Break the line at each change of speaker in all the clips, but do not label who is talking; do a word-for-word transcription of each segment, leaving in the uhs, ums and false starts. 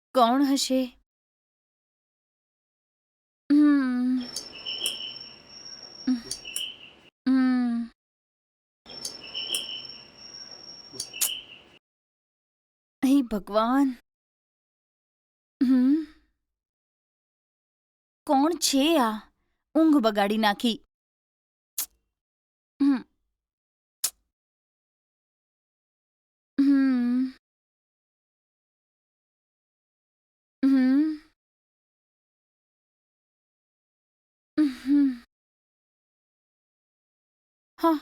કોણ હશે? હમ. હમ. હે ભગવાન. હમ. કોણ છે આ? ઊંઘ બગાડી નાખી. હમ. હમ. હમ. હમ. હા.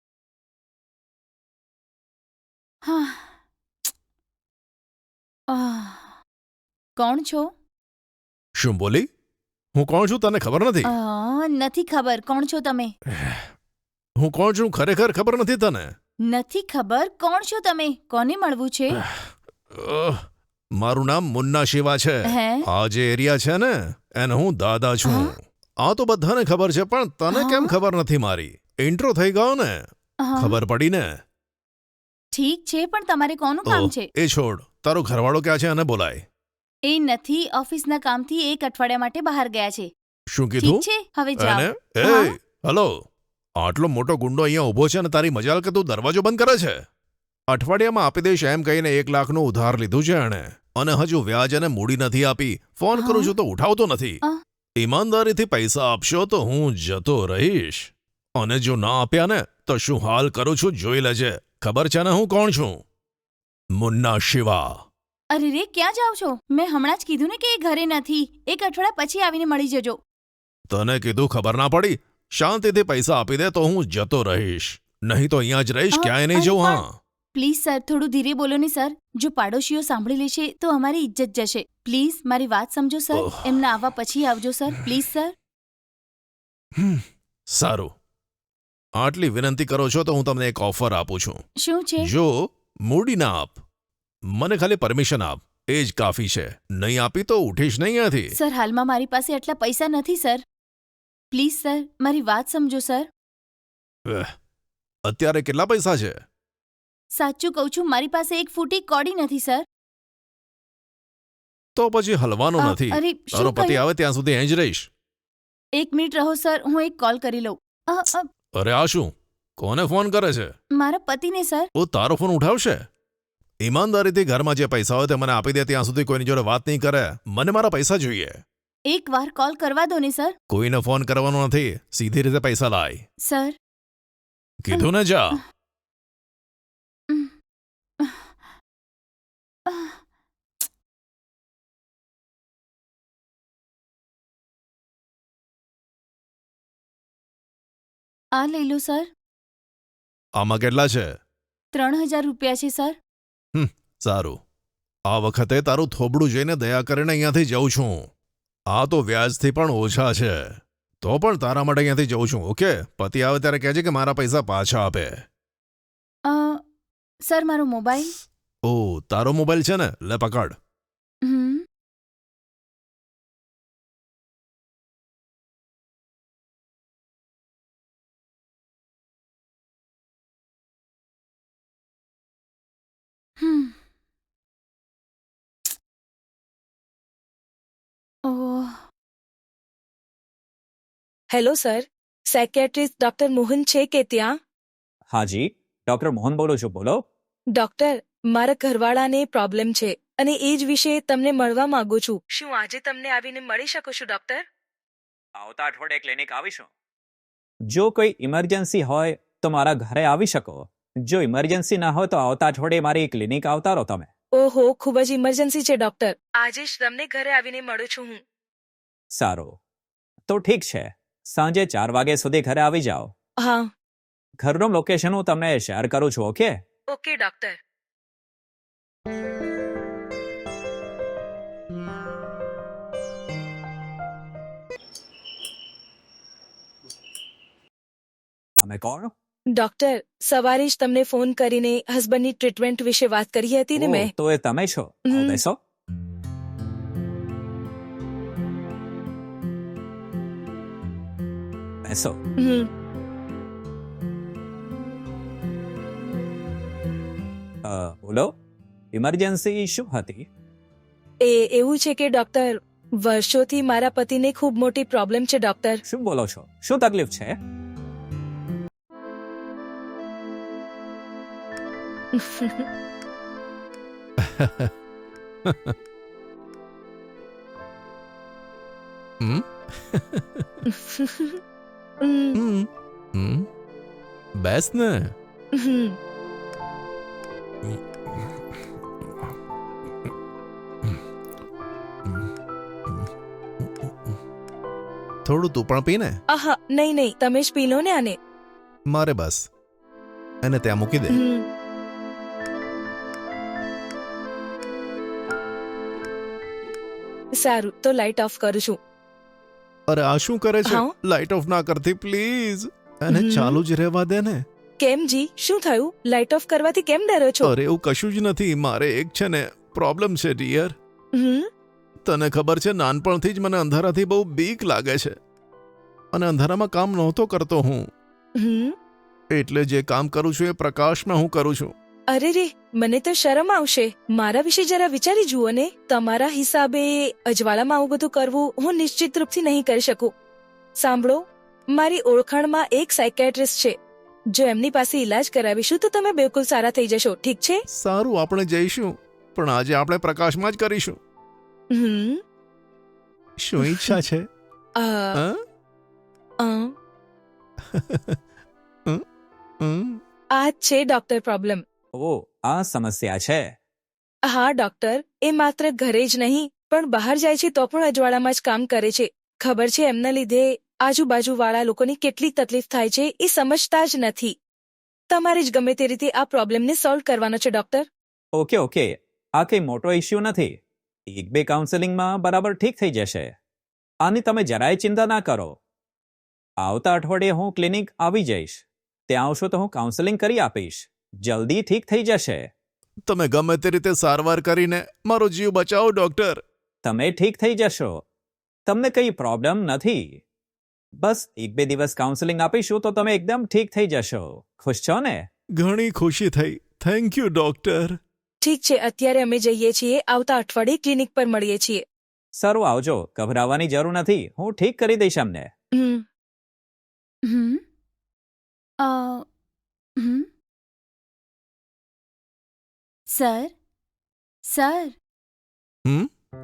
હા. આહ. કોણ છો?
શું બોલી? હું કોણ છું તને ખબર નથી?
અ, નથી ખબર. કોણ છો તમે?
હું કોણ છું ખરેખર ખબર નથી તને?
નથી ખબર. કોણ છો તમે? કોને મળવું છે?
અહ, મારું નામ મુન્ના શિવા છે.
હે?
આ જે એરિયા છે ને એને હું દાદા છું.
હા?
આ તો બધાને ખબર છે પણ તને કેમ
હા?
ખબર નથી મારી? ઇન્ટ્રો થઈ ગયો ને?
હા.
ખબર પડી ને?
ઠીક છે, પણ તમારે કોનું
ઓહ,
કામ છે?
એ છોડ. તારો ઘરવાળો ક્યાં છે એને બોલાય.
એ નથી. ઓફિસના કામથી એક અઠવાડિયા માટે બહાર ગયા છે.
શું
ઠીક
કીધું?
છે, હવે
એને
જાઓ.
એ
હા?
હલો, આટલો મોટો ગુંડો અહીંયા ઊભો છે ને તારી મજાલ કે તું દરવાજો બંધ કરે છે? અઠવાડિયામાં આપી દઈશ એમ કહીને એક લાખનું ઉધાર લીધું છે એણે અને હજુ વ્યાજ અને મૂડી નથી આપી. ફોન કરું
હા?
છું તો ઉઠાવતો નથી.
અ,
ઈમાનદારીથી પૈસા આપશો તો હું જતો રહીશ અને જો ના આપ્યા ને તો શું હાલ કરું છું જોઈ લેજે. ખબર છે ને હું કોણ છું? મુન્ના શિવા.
અરે રે, ક્યાં જાઓ છો? મેં હમણાં જ કીધું ને કે એ ઘરે નથી. એક અઠવાડિયા પછી આવીને મળી જજો.
તને કીધું ખબર ના પડી? શાંતિથી પૈસા આપી દે તો હું જતો રહીશ, નહીં તો અહીંયા જ રહીશ,
અ,
ક્યાંય નહીં
અરે
જવું.
પણ
હા,
પ્લીઝ સર, થોડું ધીરે બોલો ને સર. જો પાડોશીઓ સાંભળી લેશે તો અમારી ઇજ્જત જશે. પ્લીઝ મારી વાત સમજો સર.
ઓહ,
એમના આવવા પછી આવજો સર. Please sir.
હમ, સારું. આટલી વિનંતી કરો છો તો હું તમને એક ઓફર આપું છું.
શું છે?
જો મૂડી ના આપ, મને ખાલી પરમિશન આપ, એ જ કાફી છે. નહીં આપી તો ઉઠીશ નહીં અહીંયાથી.
સર, હાલમાં મારી પાસે આટલા પૈસા નથી સર. પ્લીઝ સર, મારી વાત સમજો સર.
અહ, અત્યારે કેટલા પૈસા છે?
સાચું કહું છું, મારી પાસે એક ફૂટી કોડી નથી સર.
તો પછી હલવાનું
અ,
નથી.
અરે
તારો
શું
પતિ
કહ્યું?
આવે ત્યાં સુધી અહીં જ રહીશ.
એક મિનિટ રહો સર, હું એક કોલ કરી લઉં. અ, અ,
અરે આ શું? કોને ફોન કરે છે?
મારા પતિને સર.
ઓ, તારો ફોન ઉઠાવશે? ઈમાનદારીથી ઘરમાં જે પૈસા હોય તે મને આપી દે ત્યાં સુધી કોઈની જોડે વાત નહીં કરે. મને મારા પૈસા જોઈએ.
એક વાર કોલ કરવા દો ને સર.
કોઈને ફોન કરવાનો નથી, સીધી રીતે પૈસા લાય.
સર.
કીધું ને જા.
ઉમ, અ, આ લઈ લો સર.
આમાં કેટલા છે?
ત્રણ હજાર રૂપિયા છે સર.
હમ, સારું. આ વખતે તારું થોબડું જોઈને દયા કરીને અહીંયાથી જઉં છું. આ તો વ્યાજથી પણ ઓછા છે. તો પણ તારા માટે અહીંયાથી જઉં છું, ઓકે? પતિ આવે ત્યારે કહેજે કે મારા પૈસા પાછા આપે.
અ, સર, મારો મોબાઈલ.
ઓ, તારો મોબાઈલ છે ને? લે પકડ.
હમ. હમ. ઓહ.
Hello sir, psychiatrist doctor Mohan છે કે ત્યાં?
હાજી, ડોક્ટર મોહન બોલું છું, બોલો.
ડોક્ટર, મારા ઘરવાળાને પ્રોબ્લેમ છે અને એ જ વિશે તમને મળવા માંગુ છું. શું આજે તમને આવીને મળી શકું છું ડોક્ટર?
આવતા અઠવાડિયે ક્લિનિક આવીશું. જો કોઈ ઇમરજન્સી હોય તો મારા ઘરે આવી શકો. જો ઇમરજન્સી ના હોય તો આવતા અઠવાડિયે મારી ક્લિનિક આવતા રહો તમે.
ઓહો, ખૂબ જ ઇમરજન્સી છે ડોક્ટર. આજે જ તમને ઘરે આવીને મળું છું હું.
સારું, તો ઠીક છે, સાંજે ચાર વાગ્યા સુધી ઘરે આવી જાઓ.
હા.
ઘરનું લોકેશન હું તમને શેર કરું છું, ઓકે?
Okay doctor.
તમે કોણ?
ડોક્ટર, સવારે જ તમને ફોન કરીને હસબન્ડની ટ્રીટમેન્ટ વિશે વાત કરી હતી ને
ઓહ,
મેં.
તો એ તમે છો.
હમ.
આવો બેસો. બેસો.
હમ.
અ, બોલો, ઇમરજન્સી શું હતી?
એ એવું છે કે ડોક્ટર વર્ષોથી મારા પતિને ખૂબ મોટી પ્રોબ્લેમ છે ડોક્ટર.
શું બોલો છો? શું તકલીફ છે?
હમ?
હમ,
હમ? હમ? બેસ ને.
હમ.
થોડું તું પણ પી ને.
આહા નહીં નહીં તમે જ પી લો ને આને.
મારે બસ એને ત્યાં મૂકી દે.
હમ. સારું તો લાઇટ ઓફ કરું છું.
અરે આ શું કરે છે?
હા?
લાઇટ ઓફ ના કરતી પ્લીઝ. એને
હમ.
ચાલુ જ રહેવા દે ને.
કેમ જી શું થયું? લાઇટ ઓફ કરવાથી કેમ ડરો છો?
અરે એવું કશું જ નથી. મારે એક છે ને પ્રોબ્લેમ છે ડિયર.
હમ.
તને ખબર છે નાનપણથી જ મને અંધારાથી બહુ બીક લાગે છે અને અંધારામાં કામ નહોતો કરતો હું.
હમ.
એટલે જે કામ કરું છું એ પ્રકાશમાં હું કરું છું.
અરે રે મને તો શરમ આવશે. મારા વિશે જરા વિચારી જુઓ ને. તમારા હિસાબે અજવાળામાં આવું બધું કરવું હું નિશ્ચિત રૂપથી નહીં કરી શકું. સાંભળો, મારી ઓળખાણમાં એક સાયકેટ્રિસ્ટ છે. જો એમની પાસે ઈલાજ કરાવીશું તો તમે બિલકુલ સારા થઈ જશો. ઠીક છે?
સારું, આપણે જઈશું, પણ આજે આપણે પ્રકાશમાં જ કરીશું.
હમ.
શું ઈચ્છા છે?
અ,
હા?
અ,
હમ?
આ જ છે ડોક્ટર પ્રોબ્લેમ.
ઓ, આ સમસ્યા છે.
હા ડોક્ટર, એ માત્ર ઘરે જ નહીં પણ બહાર જાય છે તો પણ અજવાળામાં જ કામ કરે છે. ખબર છે એમના લીધે આજુબાજુવાળા લોકોને કેટલી તકલીફ થાય છે એ સમજતા જ નથી. તમારે જ ગમે તે રીતે આ પ્રોબ્લેમને સોલ્વ કરવાનો છે ડોક્ટર.
ઓકે ઓકે, આ કંઈ મોટો ઇશ્યુ નથી. એક બે કાઉન્સેલિંગમાં બરાબર ઠીક થઈ જશે. આની તમે જરાય ચિંતા ના કરો. આવતા અઠવાડિયે હું ક્લિનિક આવી જઈશ. ત્યાં આવશો તો હું કાઉન્સેલિંગ કરી આપીશ. જલ્દી ઠીક થઈ જશે.
તમે ગમે તે રીતે સારવાર કરીને મારો જીવ બચાવો ડોક્ટર.
તમે ઠીક થઈ જશો. તમને કંઈ પ્રોબ્લેમ નથી. બસ એક બે દિવસ કાઉન્સેલિંગ આપીશું તો તમે એકદમ ઠીક થઈ જશો. ખુશ છો ને?
ઘણી ખુશી થઈ. Thank you doctor.
ઠીક છે, અત્યારે અમે જઈએ છીએ. આવતા અઠવાડિયે ક્લિનિક પર મળીએ છીએ.
સારું, આવજો. ગભરાવાની જરૂર નથી. હું ઠીક કરી દઈશ અમને.
હમ.
હમ અ હમ સર સર
હમ?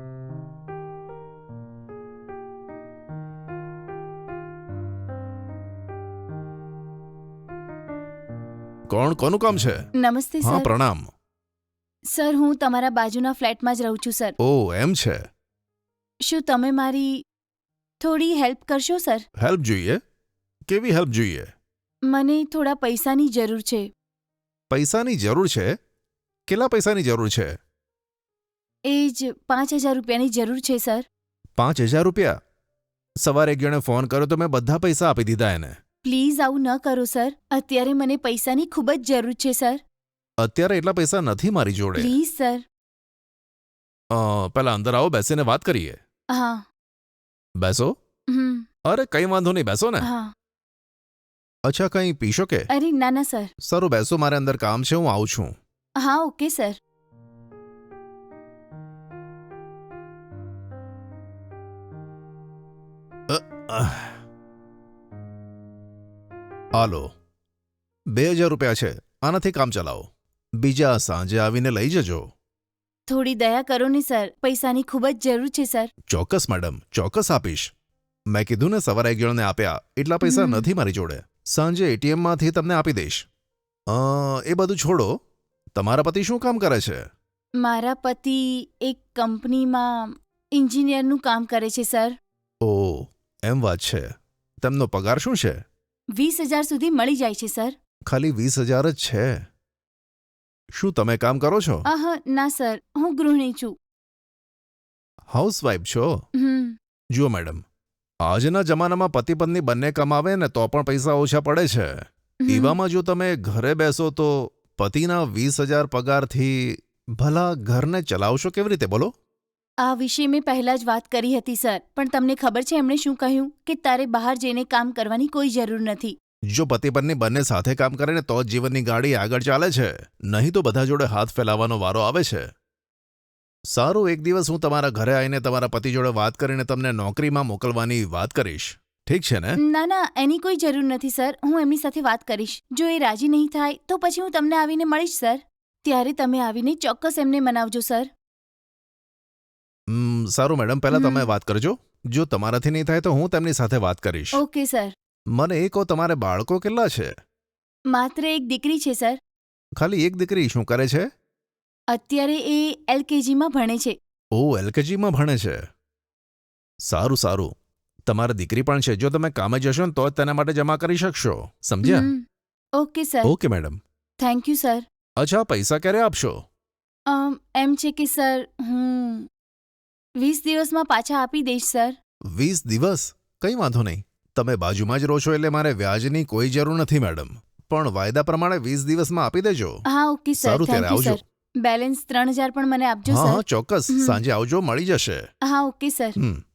કોણ? કોનું કામ છે?
નમસ્તે
હા,
સર.
પ્રણામ.
સર હું તમારા બાજુના ફ્લેટમાં જ રહું છું સર.
ઓ એમ છે.
શું તમે મારી થોડી હેલ્પ કરશો સર?
હેલ્પ જોઈએ? કેવી હેલ્પ જોઈએ?
મને થોડા પૈસાની જરૂર છે.
પૈસાની જરૂર છે? કેટલા પૈસાની જરૂર છે?
એ જ પાંચ હજાર રૂપિયાની જરૂર છે સર.
પાંચ હજાર રૂપિયા? સવારે એક જણે ફોન કર્યો તો મેં બધા પૈસા આપી દીધા એને.
પ્લીઝ આવું ન કરો સર. અત્યારે મને પૈસાની ખૂબ જ જરૂર છે સર.
અત્યારે એટલા પૈસા નથી મારી જોડે.
Please sir.
અ, પહેલા અંદર આવો, બેસીને વાત કરીએ.
હા.
બેસો.
હમ
અરે કંઈ વાંધો નહીં, બેસો ને.
હા.
અચ્છા, કંઈ પીશો કે?
અરે ના ના સર.
સારું, બેસો, મારે અંદર કામ છે, હું આવું છું.
હા ઓકે સર.
હાલો, બે હજાર રૂપિયા છે, આનાથી કામ ચલાવો. બીજા સાંજે આવીને લઈ જજો.
થોડી દયા કરો ને સર. પૈસાની ખૂબ જ જરૂર છે સર.
ચોક્કસ મેડમ, ચોક્કસ આપીશ. મેં કીધું ને સવારે એક જણને આપ્યા. એટલા પૈસા
હમ.
નથી મારી જોડે. સાંજે એટીએમમાંથી તમને આપી દઈશ. અ, એ બધું છોડો. તમારા પતિ શું કામ કરે છે?
મારા પતિ એક કંપનીમાં એન્જિનિયરનું કામ કરે છે સર.
ઓ એમ વાત છે. તેમનો પગાર શું છે?
વીસ હજાર સુધી મળી જાય છે સર.
ખાલી વીસ હજાર જ છે. શું તમે કામ કરો છો?
આહ ના સર, હું ગૃહિણી છું.
હાઉસવાઇફ છો?
હમ
જુઓ મેડમ, આજના જમાનામાં પતિ પત્ની બંને કમાવે ને તો પણ પૈસા ઓછા પડે છે.
હમ.
એવામાં જો તમે ઘરે બેસો તો પતિના વીસ હજાર પગારથી ભલા ઘરને ચલાવશો કેવી રીતે, બોલો?
આ વિશે મેં પહેલા જ વાત કરી હતી સર, પણ તમને ખબર છે એમણે શું કહ્યું કે તારે બહાર જઈને કામ કરવાની કોઈ જરૂર નથી.
જો પતિ પત્ની બંને સાથે કામ કરે ને તો જ જીવનની ગાડી આગળ ચાલે છે, નહીં તો બધા જોડે હાથ ફેલાવવાનો વારો આવે છે. સારું, એક દિવસ હું તમારા ઘરે આવીને તમારા પતિ જોડે વાત કરીને તમને નોકરીમાં મોકલવાની વાત કરીશ. ઠીક છે ને?
ના ના એની કોઈ જરૂર નથી સર. હું એમની સાથે વાત કરીશ. જો એ રાજી નહીં થાય તો પછી હું તમને આવીને મળીશ સર. ત્યારે તમે આવીને ચોક્કસ એમને મનાવજો સર.
હમ, સારું મેડમ, પહેલા
હમ.
તમે વાત કરજો. જો તમારાથી નહીં થાય તો હું તેમની સાથે વાત કરીશ.
Okay sir.
મને એ કહો, તમારે બાળકો કેટલા છે?
માત્ર એક દીકરી છે સર.
ખાલી એક દીકરી? શું કરે છે?
અત્યારે એ એલકેજીમાં ભણે છે.
ઓ, એલકેજીમાં ભણે છે. સારું સારું. તમારી દીકરી પણ છે. જો તમે કામે જશો ને તો જ તેના માટે જમા કરી શકશો. સમજ્યા?
હમ. Okay sir.
Okay madam.
Thank you sir.
અચ્છા, પૈસા ક્યારે આપશો?
અમ, એમ છે કે સર હું વીસ દિવસમાં પાછા આપી દઈશ સર.
વીસ દિવસ? કંઈ વાંધો નહીં. તમે બાજુમાં જ રહો છો એટલે મારે વ્યાજની કોઈ જરૂર નથી મેડમ. પણ વાયદા પ્રમાણે વીસ દિવસમાં આપી દેજો.
હા ઓકે સર.
સારું,
થેન્ક
ત્યારે
યુ
આવજો.
સર. બેલેન્સ ત્રણ હજાર પણ મને આપજો
હા
સર.
હા, ચોક્કસ.
હમ.
સાંજે આવજો, મળી જશે.
હા ઓકે સર.
હમ